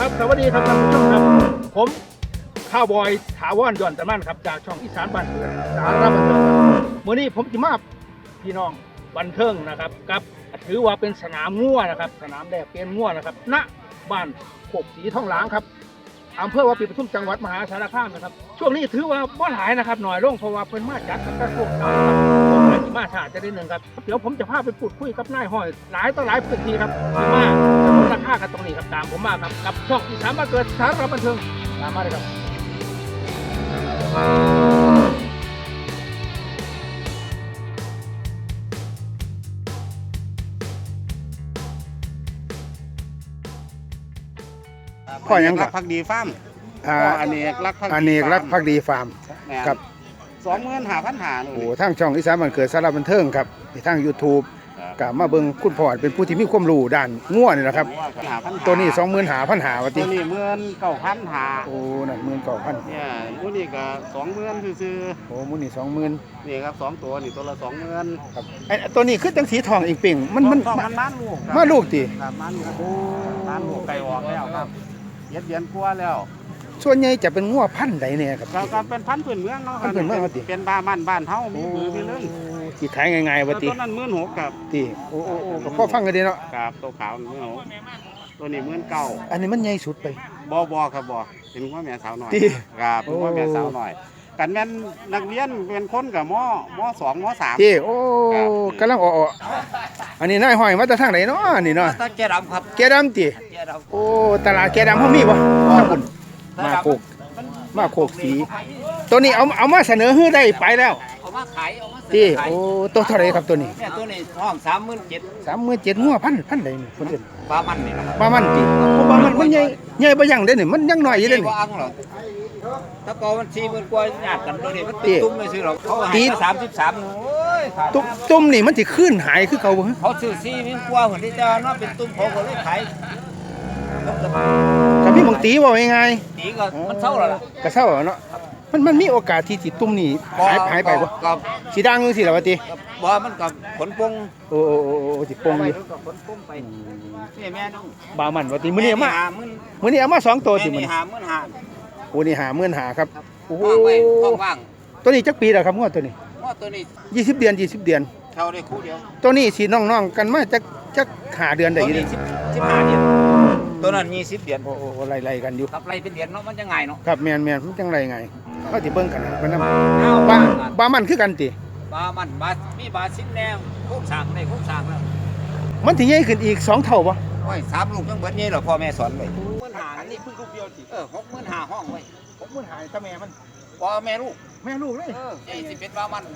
ครับสวัสดีครับท่านผู้ชมครับผมข้าวบอยถาวรย้อนตะมันครับจากช่องอีสานบ้านเกิดสาระบันเทิงครับมื้อนี้ผมจะมาพี่น้องบันเทิงนะครับกับถือว่าเป็นสนามงัวนะครับสนามแดกเป็นงัวนะครับณบ้านโคกสีทองหลางครับอำเภอวาปีปทุมจังหวัดมหาสารคามนะครับช่วงนี้ถือว่าบ่หลายนะครับหน่อยลงเพราะว่าเป็นมาจัดกับกระทรวงการคลังผมอาจจะมาช้าจะได้หนึ่งครับเดี๋ยวผมจะพาไปพูดคุยกับนายห้อยหลายต่อหลายพื้นที่ครับที่มาจะลดราคากันตรงนี้ครับตามผมมาครับกับช่องอีสานบ้านเกิดสาระบันเทิงตามมาเลยครับพ่อยังรักักบพักดีฟาร์มอเนกรักพักดีอเนกรักภักดีฟาร์ม ครับ 25,500 โอ้ทางช่องอีสานบ้านเกิดสาระบันเทิงครับทาง YouTube ก็มาเบิ่งคุณพ่อเป็นผู้ที่มีความรู้ด้านงัวนี่แหละครับตัวนี้ 25,500ว่าติตัวนี้19,500 โอ้นั่น19,000 เนี่ยตัวนี้ก็20,000ซื่อโอ้มื้อนี้ 20,000 ๆนี่ครับ2ตัวนี่ตัวละ20,000 ครับไอ้ตัวนี้คือจังสีทองอีกเป่งมันต้องมันล้านลูกครับมาลูกติครับล้านลูกล้านลูกไก่ออกแล้วครับ7 เดือนกว่าแล้วส่วนใหญ่จะเป็นงัวพันธุ์ใดเนี่ยครับก็เป็นพันธุ์พื้นเมืองเนาะพันธุ์พื้นเมืองว่าติเป็นบ้านบ้านเฮามีมือมีเรื่องสิขายง่ายๆว่าติตัวนั้น16,000ครับติโอ้ก็พอฟังกันดีเนาะครับตัวขาว16,000ตัวนี้19,000 อันนี้มันใหญ่สุดไปบ่ครับบ่เป็นว่าแม่สาวหน่อยติครับเป็นว่าแม่สาวหน่อยกันแม่นนักเรียนเป็นคนกับม2ม3 ติโอ้ครับกำลังอ้อๆอันนี้นายห้อยมาจากทางไหนเนาะนี่เนาะตาแกดำครับแกดำติแกดำโอ้ตลาดแกดำเขามีบ่ครับคุณมาโคกสี ตัวนี้เอามาเสนอให้ได้ไปแล้วเอามาขายเอามาที่โอ้ตัวเท่าไหรครับตัวนี้เนี่ยตัวนี้ห้อง37,000 37,000งัวพันใดนี่คนอื่นปลามันนี่นะครับปลามันติเพราะว่ามันใหญ่บ่ยังเด้นี่มันยังน้อยอยู่เด้นี่บ่อังหรอกถ้าก็มัน40,000กว่าญาติกันตัวนี้มันที่ตุ้มไม่ซื้อหรอกเขาให้ที่มา33โอ้ยขาดตุ้มนี่มันสิขึ้นหายคือเก่าบ่ฮะเขาซื้อ40,000กว่าคนที่จะเนาะเป็นตุ้มเขาก็เลยขายก็มีบางตีบ่ยังไงตีก็มันเท่าแล้วล่ะก็เศร้าอะเนาะมันมีโอกาสที่สิตุ้มนี่หายไปบ่ก็สิดังจังซี่ล่ะว่าติบ่มันก็ผลปงโอ้สิปงอยู่ก็ผลปงไปนี่แม่น้องบามันว่าติมื้อนี้เอามา 50,000 มื้อนี้เอามาสองตัวติแม่มื้อนี่นี้ 50,000 โอ้นี่55,000ครับโอ้โหว่างไว้ว่างตัวนี้จักปีแล้วครับงวดตัวนี้ๆว่าตัวนี้ 20 เดือน20 เดือนเท่าได้คู่เดียวตัวนี้สิน้องๆกันมาจักหาเดือนได้ตัวอยู่นี้เด้ 15เดือนตัวนั้น20เดือนโอ้ไล่กันอยู่ครับไรเป็นเดือนเนาะมันจะง่ายเนาะครับแม่นมันจังไรไงเขาสิเบิ่งกันนะมันนำเอาบ้ามันคือกันติบามันบามีบาซินแนวโค้งสร้างได้โค้งสร้างแล้วมันสิใหญ่ขึ้นอีก2เท่าบ่โอ้ย3ลูกจังเบิดนี่เหรอพ่อแม่สอนไว้65,000อันนี้เพิ่งลูกเดียวสิ65,000ห้องไว้ผมหายตาแม่มันพ่อแม่ลูกแม่ลูกเลยนี่สิเป็นบามัน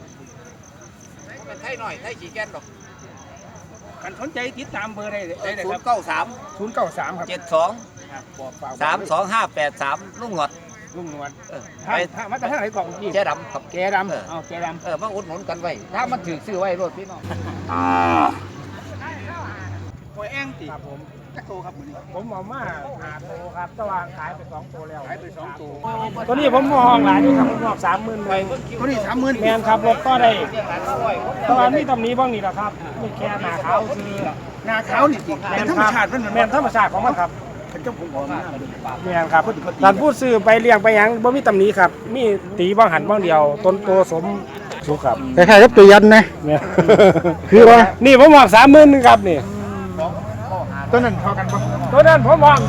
เป็นไทยหน่อยไทยขี้แก่นดอกคันสนใจติดตามเบอร์ได้เลยครับ 093 093ครับ 72 บอกฝาก 32583ลุงหนวดลุงนวลไปถ้ามาจากทางไหนก่อนพี่แจ๊ดำครับแกดำเอาแกดำมาอุดหนุนกันไว้ถ้ามันถือซื้อไว้รถพี่น้องหอยแองติครับผมจักโตครับมื้อนี้ผมเอามา5โตครับตะวางขายไป2โตแล้วขายไป2โตตัวนี้ผมมองหลายนี่ครับผมมอง30,000เลยตัวนี้ 30,000 แมนครับรถก็ได้ตอนนี้ตำนี้บ้างนี่แหละครับมีแค่หนาขาวคือหน้าขาวนี่ติเป็นธรรมชาติมันแมนธรรมชาติของมันครับเป็นเจ้าผมบอกมาแมนครับท่านพูดซื้อไปเลี้ยงไปหยังบ่มีตำนี้ครับมีตีบ้างหันบ้างเดียวต้นโตสมสุขครับคล้ายๆกับตัวยันนะแม่นคือว่านี่ผมมอง30,000ครับนี่ตัวนั้นเท่ากันบ่ตัวนั้นผมมอง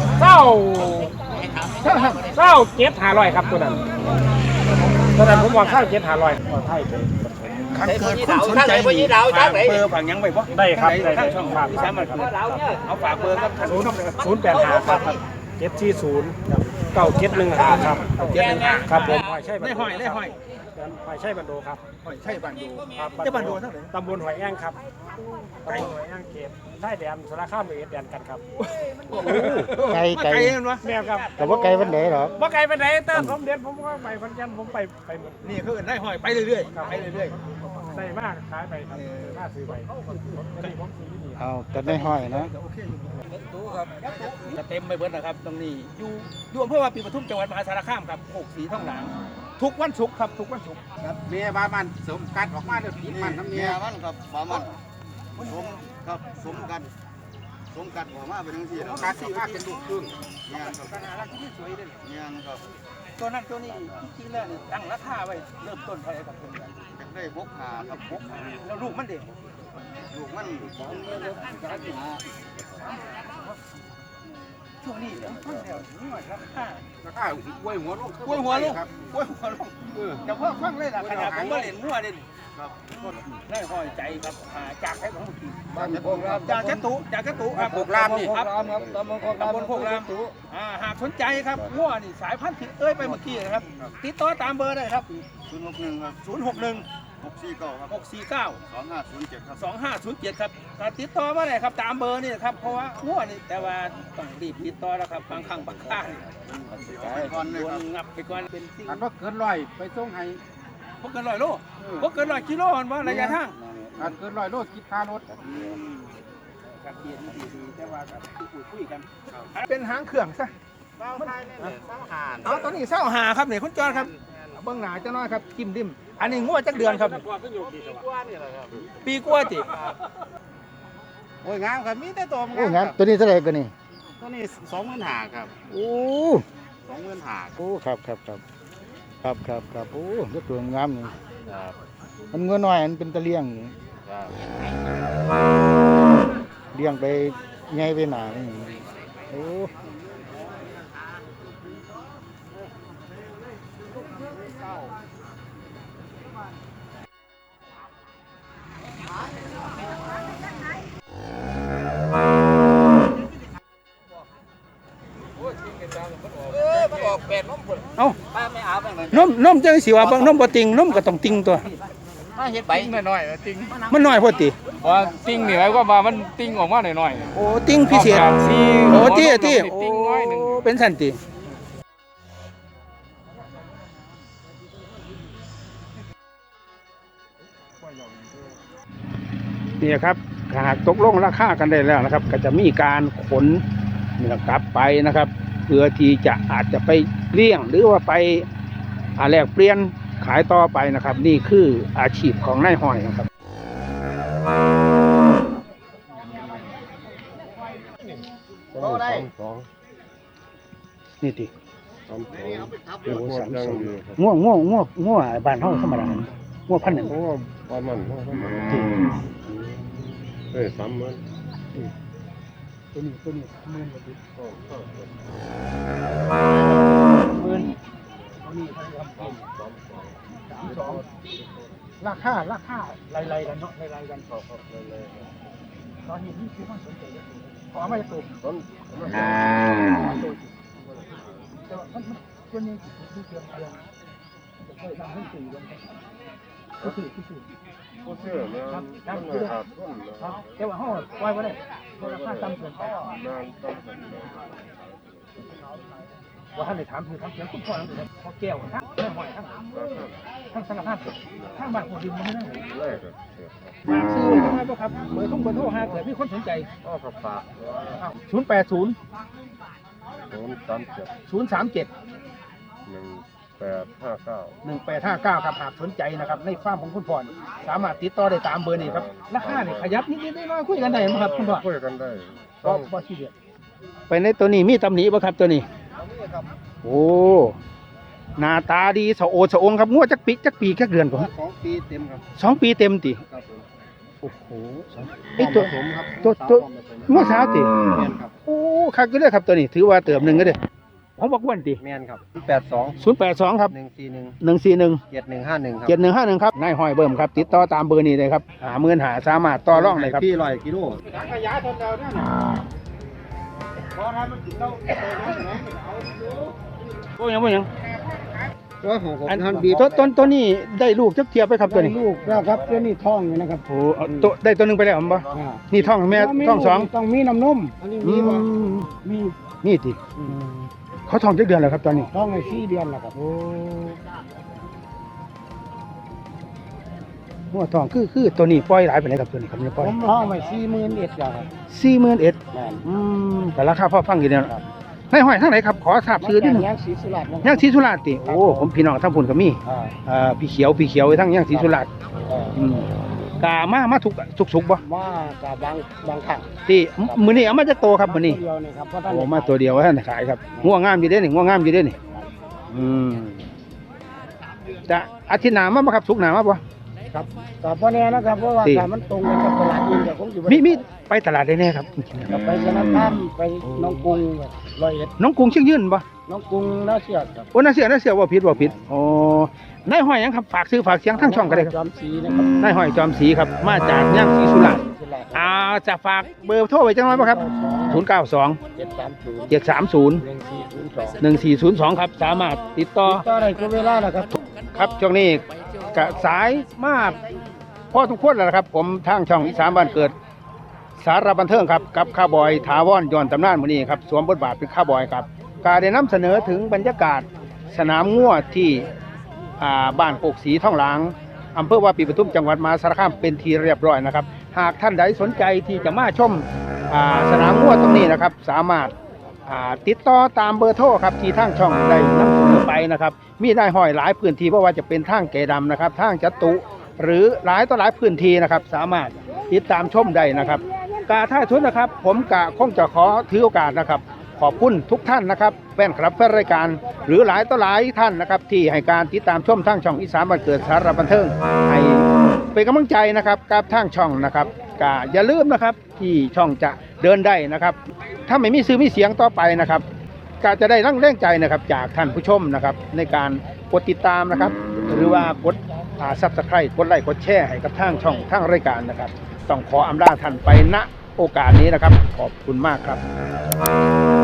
27,500ครับตัวนั้นผมมอง27,500ไทยเป็นคันเกิดคนสนใจนี่ฝากเบอร์ฝากหยังไว้บ่ได้ครับได้ทางช่องฝากที่สามารถเอาฝากเบอร์ครับท่านผู้ชมเลยครับ 085ครับ740 9715ครับ 715 ครับผมหอยใช่ได้ห้อยหอยใช่บันโดครับห้อยใช่บันดูครับจะบันดูเท่าไหร่ตำบลหอยแอ้งครับตำบลหอยแอ้งเขตได้แดนสารคามเอแดนกันครับไกลไกลแม่ครับแต่ว่าไกลวันไหนหรอบ่ไกลไปไหนแต่ผมเด็ดผมก็ไปพันยันผมไปหมดนี่คือได้ห้อยไปเรื่อยๆไปเรื่อยได้มากขายไปครับค่าซื้อไปอันนี้ผมซื้อนี่เอาแต่ได้ห้อยนะโอเคตู้ครับจะเต็มไปเบิดนะครับตรงนี้อยู่อำเภอวาปีปทุมจังหวัดมหาสารคามครับโคกสีทองหลางทุกวันศุกร์ครับทุกวันศุกร์ครับเมียบ้ามันสมกัดออกมาเดี๋ยวผีมันน้ำเมียมันกับบามันสมครับสมกันสผมกัดหัวมาเป็นทั้งสี่แล้วการที่ว่าเป็นลูกครึ่งงานครับขนาดรักที่สวยเลยงานครับตัวนั้นตัวนี้จริงๆแล้วนี่ตั้งราคาไว้เริ่มต้นเท่าไหร่ครับตัวนี้อยากได้พกหาครับพกหาแล้วลูกมันเด็กลูกมันสองหาช่วงนี้ผมฟังแล้วนี่ว่าราคาราคากล้วยหัวลูกกล้วยหัวลูกครับกล้วยหัวลูกแต่พ่อฟังเลยล่ะขนาดผมมาเล่นมั่วเด่นครับได้ห้อยใจครับจากให้ของทีบ้านโคกรามจากแคตุจากแคตุครับโคกรามนี่ครับตำบลโคกรามหากสนใจครับมั่วนี่สายพันธุ์ที่เอ้ยไปเมื่อกี้นะครับ ติดต่อตามเบอร์ได้ครับ 061ครับ 061 649ครับ 649 2507ครับ 2507ครับติดต่อมาได้ครับตามเบอร์นี่ครับเพราะว่ามั่วนี่แต่ว่าต้องรีบติดต่อแล้วครับบางครั้งบางครานี่ไปก่อนเลยโดครับนงับไปก่อนเป็นสิ่งอันว่าเกินร้อยไปส่งให้พวกเกิน100 โลพวกเกิน100 กิโลอันว่าระยะทางอันเกิน100 โลคิดค่ารถกับเกียรติดีแต่ว่ากับคุยกันเป็นหางเครื่องซะเป้าไทยเนี่ยเป้าหานอ๋อตอนนี้เศร้าหาครับเนี่ยคุณจอนครับเบื้องหน้าจะน้อยครับจิ้มดิมอันนี้งวดจักเดือนครับปีกว่าจิโอ้ยงามครับมีแต่ตัวโอ้งานตัวนี้เท่าไหร่กันนี่ตัวนี้25,000ครับโอ้ 25,000 โอ้ครับโอ้ยตัวงามนี่มันเงินน้อยมันเป็นตะเลียงนี่ครับเลี้ยงไปไงไปหนานี่โอ้เอ้านมจังสิว่าเบิ่งนมบ่ติงนมก็ต้องติงตัวมาเฮ็ดใบน้อยๆจริงมันน้อยพอติว่าติ้งนี่หมายความว่ามันติ้งออกมาหน่อยโอ้ติงพิเศษๆที่โอ้ที่ติ้งน้อยหนึงโเป็นสันตินี่ครับหากตกลงราคากันได้แล้วนะครับ ก็จะมีการขนเนื้อกลับไปนะครับ เพื่อที่จะอาจจะไปเลี้ยงหรือว่าไปแลกเปลี่ยนขายต่อไปนะครับ นี่คืออาชีพของนายห้อยนะครับนี่ติง่วบ้านเฮาธรรมดาง่วพันธุ์หนึ่งประมาณติ 3 มื้อตัวนี้หมื่นกว่าติหมื่นตัวนี้พันกว่า32ราคาไล่ๆกันเนาะไล่ๆกันตอนนี้นี่คือความสนใจกันขอมาจะตัวแต่ว่ามันตัวนี้คือเกี่ยวกับจะเคยทำให้สื่อลงก็คือบ่เชื่อแม่ครับมันขาดทุนนะครับแต่ว่าห้องปล่อยไว้เลยราคาต่ำเกินไปนานต้องกันว่าท่านได้ถามคือทำเสียงคุณพ่อแล้วเลยพอแก้วทั้งแม่หอยทั้งสังฆทานทั้งบ้านคนดินมันไม่ได้แรกก็ฝากซื้อทำไมบ่ครับเบอร์โทรหาเกิดมีคนสนใจก็กระปะ 080 037 037 1859 1859ครับหากสนใจนะครับในฟาร์มของคุณพ่อนี่สามารถติดต่อได้ตามเบอร์นี้ครับราคานี่ขยับนิดๆน้อยๆคุยกันได้ไหมครับคุณพ่อคุยกันได้บ่ซีเรียสไปในตัวนี้มีตำหนิบ่ครับตัวนี้โอ้หน้าตาดีสะโอดสะองครับงัวจักปีจักเดือนก่อน 2 ปีเต็มครับ 2 ปีเต็มติครับผมโอ้โหไอ้ตัวผสมครับตัวงัวสาวติแม่นครับโอ้คักอยู่เด้อครับตัวนี้ถือว่าเติมหนึงก็เด้อผมบอกวันติแม่นครับ 082ครับ 141 141 7151ครับ 7151ครับนายห้อยเบิ่มครับติดต่อตามเบอร์นี้เลยครับ50,000สามารถต่อรองได้ครับพี่100กิโลขยะทนเดียวนั่นน่ะพอทำมันกินเหล้าโอ้ยังตัวของผมอันท่านบีบต้นนี้ได้ลูกจักเทียบไปครับตัวนี้ลูกแล้วครับตัวนี้ท้องอยู่นะครับโอ้เอาตัวได้ตัวหนึงไปแล้วผมบ่นี่ท้องแม่ท้องสองต้องมีน้ำนมอันนี้มีบ่มีนี่ติเขาท้องจักเดือนแล้วครับตอนนี้ท้องใน4 เดือนแล้วครับโอ้หัวท้องคือตัวนี้ปล่อยหลายไปไหนใดครับตัวนี้ครับนี่ปผล่อยมท้องไว้41,000แล้วครับ 41,000 แม่นแต่ราคาพอฟังอยู่เนี่ยนายห้อยทางไหนครับขอทราบชื่อนิดนึงย่างศรีสุราษฎร์ย่างศรีสุราษฎร์ติโอ้ผมพี่น้องทั้งพุ่นก็มีอ่าพี่เขียวทั้งย่างศรีสุราษฎร์อ่าอืมกามาทุกสุกบ่ว่ากับบางครั้งที่มื้อนี้เอามาจากโตครับมื้อนี้ตัวเดียวนี่ครับเพราะท่านโอ้มาตัวเดียวว่าท่านขายครับง่วงงามอยู่เด้นี่ง่วงงามอยู่เด้นี่อืมจะอาทิตย์หน้ามาบ่ครับสุกร์หน้ามาบ่ครับกับพ่อแน่นะครับเพราะว่าที่การมันตรงกันกับตลาดเองแต่คงอยู่มีไปตลาดได้แน่ครับกับไปสนามข้ามไปหน้องกรุงร้อยเอ็ดน้องกรุงเชียงยืนบ่หน้องกรุงน่าเสียดครับโอ้น่าเสียบ่ผิดโอ้นายห้อยหยังครับฝากซื้อฝากเสียงทั้งช่องก็ได้ครับจอมศรีนะครับนายห้อยจอมศรีครับมาจากย่างศรีสุราษฎร์ศิลาจะฝากเบอร์โทรไว้จังหน่อยบ่ครับ092 730 730 1402 1402ครับสามารถติดต่อต่อได้ก็เวลาแล้วครับครับช่วงนี้กะสายมากพ่อทุกคนแล้วนะครับ ผมทางช่องอีสานบ้านเกิดสาระบันเทิงครับกับข้าวบอยถาวรย้อนตำนานมื้อนี้ครับสวมบทบาทเป็นข้าวบอยครับการได้นำเสนอถึงบรรยากาศสนามงัวที่บ้านโคกศรีท่องหลางอำเภอวาปีปทุมจังหวัดมหาสารคามเป็นที่เรียบร้อยนะครับหากท่านใดสนใจที่จะมาชมสนามงัวตรงนี้นะครับสามารถติดต่อตามเบอร์โทรครับที่ทางช่องได้นำเสนอไปนะครับมีได้ห้อยหลายพื้นที่เพราะว่าจะเป็นทางแก่ดำนะครับทางจัตุหรือหลายต่อหลายพื้นที่นะครับสามารถติดตามชมได้นะครับกาท่าชุดนะครับผมกะคงจะขอถือโอกาสนะครับขอบคุณทุกท่านนะครับแฟนคลับแฟนรายการหรือหลายต่อหลายท่านนะครับที่ให้การติดตามชมทางช่องอีสานบ้านเกิดสาระบันเทิงให้เป็นกำลังใจนะครับกับทางช่องนะครับกะอย่าลืมนะครับที่ช่องจะเดินได้นะครับถ้าไม่มีซื้อมีเสียงต่อไปนะครับก็จะได้แรงใจนะครับจากท่านผู้ชมนะครับในการกดติดตามนะครับหรือว่ากดSubscribe กดไลค์กดแชร์ให้กับทางช่องทางรายการนะครับต้องขออำลาท่านไปณโอกาสนี้นะครับขอบคุณมากครับ